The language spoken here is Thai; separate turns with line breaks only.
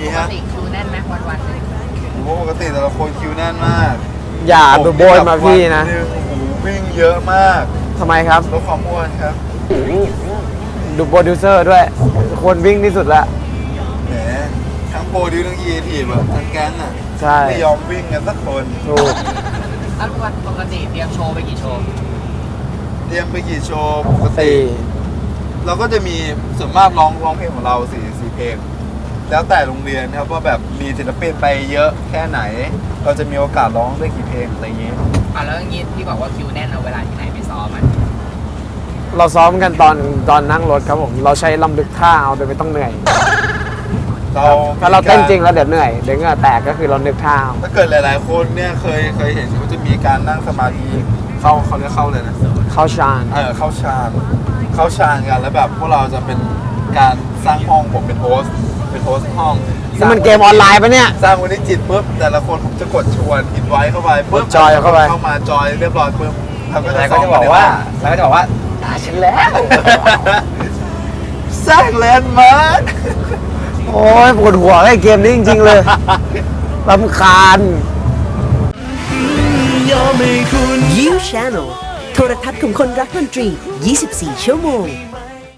มี
ปก
ฮะ
ติคิวแน่นไหมวันๆเลย
โอ้ปกติแต่ละคนคิวแน่นมาก
อย่าดูโบยมาพี่นะ
ผมโอ้โหวิ่งเยอะมาก
ทำไมครับ
ลดความอ้วนครับ
ดูโปรดิวเซอร์ด้วย คนวิ่งที่สุดละ
แหมทั้งโปรดิวทั้งยีทีแบบทั้งแก๊งอ่ะ
ใช่
ไม่ยอมวิ่งกันสักคน
ถูก
แล้วปกติเตรียมโชว์ไปกี่โชว์
เตรียมไปกี่โชว์ปกติ
สี่
เราก็จะมีส่วนมากร้องเพลงของเราสี่เพลง แล้วแต่โรงเรียนครับว่าแบบมีศิลปินไปเยอะแค่ไหน เราจะมีโอกาสร้องได้กี่เพลงอะไรอย่างเงี้ย
แล้วอย่างงี้ที่บอกว่าคิวแน่นเอาเวลาที่ไหนไปซ้อมมัน
เราซ้อมกันตอนนั่งรถครับผม เราใช้ลำลึกท่าเอาโดยไม่ต้องเหนื่อย ถ้าเราเต้นจริงแล้วเดี๋ยวเหนื่อยเดี๋ยวเหงื่อแตกก็คือเรานึกท่าเอา
ถ้าเกิดหลายๆคนเนี่ยเคยเห็นเขาจะมีการนั่งสมาธิเขาเรียกเข้าเลยนะ
เข้าฌาน
เข้าฌานกันแล้วแบบพวกเราจะเป็นการสร้างห้องผมเป็นโฮสต์ห้อง
นี่มันเกมออนไลน์ปะเนี่ย
สร้างวันนี้จิตปุ๊บแต่ละคนผมจะกดชวนอินไว้เข้าไปปุ๊บ
กดจอยเข้าไป
เข้ามาจอยเรียบร้อยปุ๊บเราก็
แล้วก็จะบอกว่าฉันแล้ว
สร้างแลนด์มาร์ค
โอ้ยปวดหัวไอ้เกมนี้จริงๆเลยรำคาญ
You Channel โทรทัศน์ของคนรักดนตรี 24 ชั่วโมง